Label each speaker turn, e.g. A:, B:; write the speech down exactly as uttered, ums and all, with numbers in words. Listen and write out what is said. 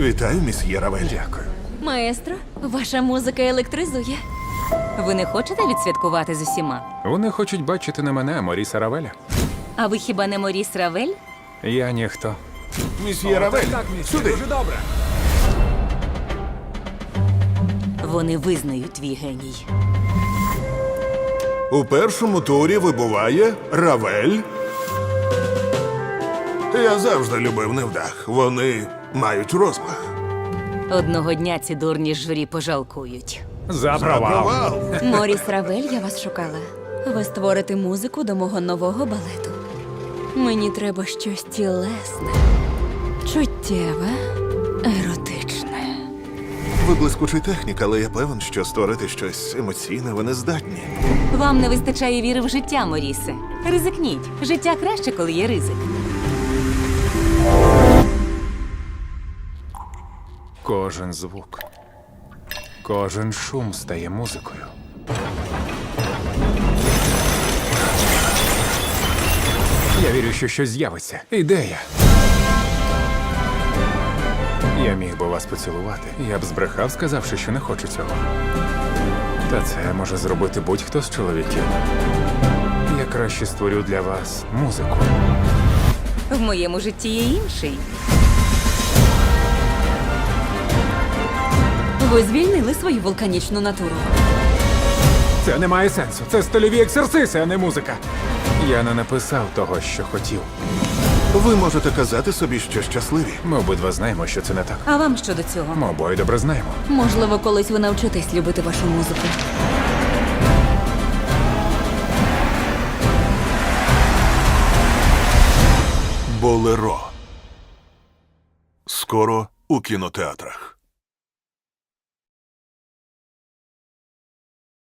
A: Вітаю, місьє Равель.
B: Дякую.
C: Маестро, ваша музика електризує.
D: Ви не хочете відсвяткувати з усіма?
B: Вони хочуть бачити не мене, а Моріса Равеля.
D: А ви хіба не Моріс Равель?
B: Я ніхто.
A: Місьє Равель, сюди.
D: Вони визнають твій геній.
A: У першому турі вибуває Равель. Я завжди любив невдах. Вони мають розмах.
D: Одного дня ці дурні журі пожалкують.
B: За провал.
A: Провал.
C: Моріс Равель, я вас шукала. Ви створите музику до мого нового балету. Мені треба щось тілесне, чуттєве, еротичне.
A: Ви блискучий технік, але я певен, що створити щось емоційне ви не здатні.
D: Вам не вистачає віри в життя, Морісе. Ризикніть. Життя краще, коли є ризик.
B: Кожен звук, кожен шум стає музикою. Я вірю, що щось з'явиться. Ідея. Я міг би вас поцілувати. Я б збрехав, сказавши, що не хочу цього. Та це може зробити будь-хто з чоловіків. Я краще створю для вас музику.
D: В моєму житті є інший.
C: Ви звільнили свою вулканічну натуру.
B: Це не має сенсу. Це стильові ексерциси, а не музика. Я не написав того, що хотів.
A: Ви можете казати собі, що щасливі.
B: Ми обидва знаємо, що це не так.
D: А вам що до цього?
B: Ми обоє добре знаємо.
C: Можливо, колись ви навчитесь любити вашу музику.
A: Болеро. Скоро у кінотеатрах.